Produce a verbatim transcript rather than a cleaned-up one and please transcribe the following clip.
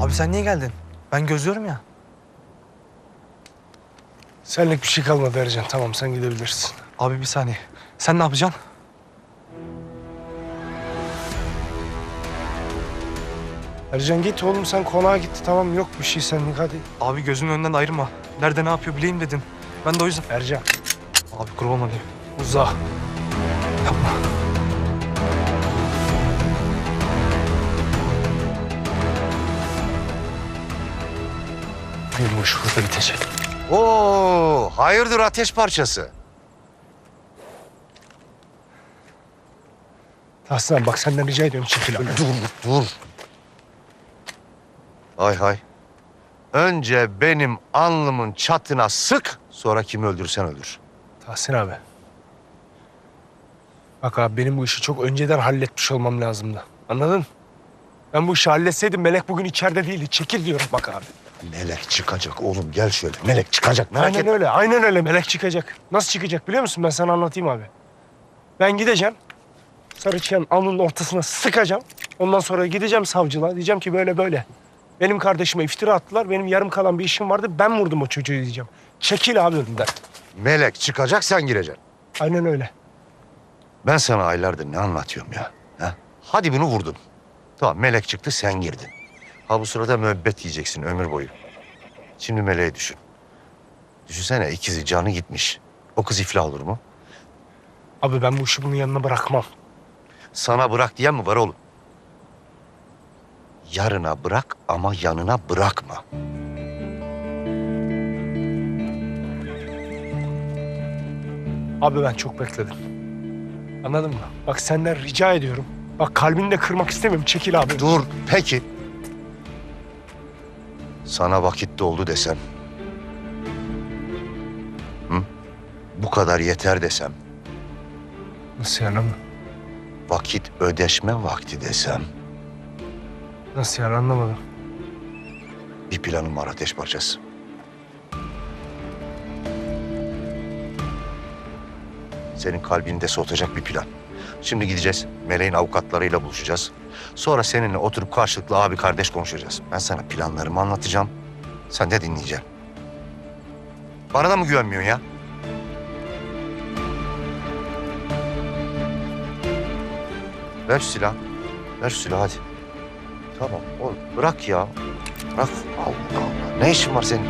Abi sen niye geldin? Ben gözlüyorum ya. Senlik bir şey kalmadı Ercan. Tamam, sen gidebilirsin. Abi bir saniye. Sen ne yapacaksın? Ercan git oğlum, sen konağa git. Tamam, yok bir şey senlik, hadi. Abi gözümün önünden ayırma. Nerede ne yapıyor bileyim dedin. Ben de o yüzden... Ercan Abi kurban olayım. uza. Yapma. Benim bu iş burada bitecek. Oo, hayırdır ateş parçası? Aslan bak, senden rica ediyorum, çekil abi. Dur, dur. Hay hay. Önce benim alnımın çatına sık, sonra kimi öldürürsen öldür. Tahsin abi. Bak abi, benim bu işi çok önceden halletmiş olmam lazımdı. Anladın? Ben bu işi halletseydim Melek bugün içeride değildi. Çekil diyorum bak abi. Melek çıkacak oğlum, gel şöyle. Melek çıkacak, merak Aynen etme. öyle, aynen öyle. Melek çıkacak. Nasıl çıkacak biliyor musun? Ben sana anlatayım abi. Ben gideceğim. Sarıçıyan alnının ortasına sıkacağım. Ondan sonra gideceğim savcılığa. Diyeceğim ki böyle böyle. Benim kardeşime iftira attılar. Benim yarım kalan bir işim vardı. Ben vurdum o çocuğu diyeceğim. Çekil abi önümden. Melek çıkacak, sen gireceksin. Aynen öyle. Ben sana aylardır ne anlatıyorum ya? Ha? Hadi bunu vurdun. Tamam, Melek çıktı, sen girdin. Ha bu sırada müebbet yiyeceksin ömür boyu. Şimdi Melek'i düşün. Düşünsene, ikizi canı gitmiş. O kız iflah olur mu? Abi ben bu işi bunun yanına bırakmam. Sana bırak diyen mi var oğlum? Yarına bırak ama yanına bırakma. Abi ben çok bekledim. Anladın mı? Bak senden rica ediyorum. Bak kalbini de kırmak istemiyorum. Çekil abi. Dur, peki. Sana vakit doldu desem. Hı? Bu kadar yeter desem. Nasıl yani? Vakit ödeşme vakti desem. Nasıl yani, anlamadım. Bir planım var ateş parçası. Senin kalbini de soğutacak bir plan. Şimdi gideceğiz. Meleğin avukatlarıyla buluşacağız. Sonra seninle oturup karşılıklı abi kardeş konuşacağız. Ben sana planlarımı anlatacağım. Sen de dinleyeceksin. Bana da mı güvenmiyorsun ya? Ver şu silahı. Ver şu silahı hadi. Tamam oğlum bırak ya. Bırak. Allah Allah. Ne işin var senin?